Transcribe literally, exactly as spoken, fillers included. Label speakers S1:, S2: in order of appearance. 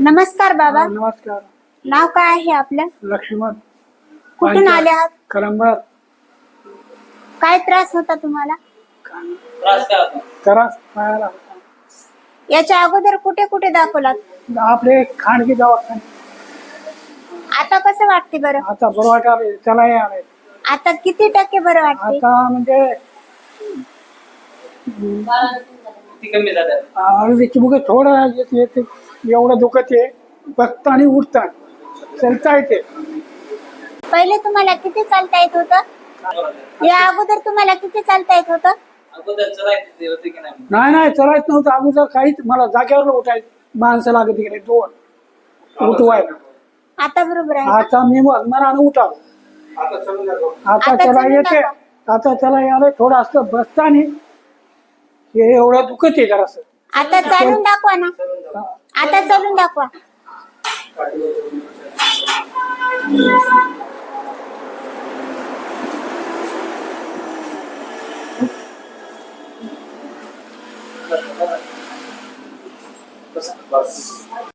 S1: नमस्कार बाबा.
S2: नमस्कार.
S1: नाव काय आहे आपलं?
S2: लक्ष्मण.
S1: कुठून आले आहात?
S2: करंबा.
S1: काय त्रास होता तुम्हाला?
S3: त्रास काय होता?
S2: त्रास पायाला.
S1: याच्या अगोदर कुठे कुठे दाखवलात?
S2: आपले खांडगी दवाखाने.
S1: आता कसं वाटते बरं?
S2: आता बरं वाटायला त्याला हे आले.
S1: आता किती टक्के बरं वाटते?
S2: आता म्हणजे
S3: किती कमी झालं?
S2: अळवीची मुगे थोडं येते येते एवढं दुखत आहे. बघता आणि उठतात चलता येते.
S1: पहिले तुम्हाला किती चालता येत होतं? या अगोदर तुम्हाला किती चालता येत होतं?
S3: अगोदर चलायचं होते की नाही?
S2: नाही नाही चलायच नव्हतं अगोदर काहीच. मला जागेवर उठायचं माणसं लागत तिकडे दोन उठवायला.
S1: आता बरोबर आहे का?
S2: आता मी मनानं उठाव. आता
S1: आता
S2: त्याला
S1: चलून
S2: येते.
S1: दाखवा.
S2: आता त्याला यायला थोडं असतं बसतानी हे एवढं दुखत आहे जरासं.
S1: आता चालून दाखवा ना. आता चालून दाखवा.
S3: बस.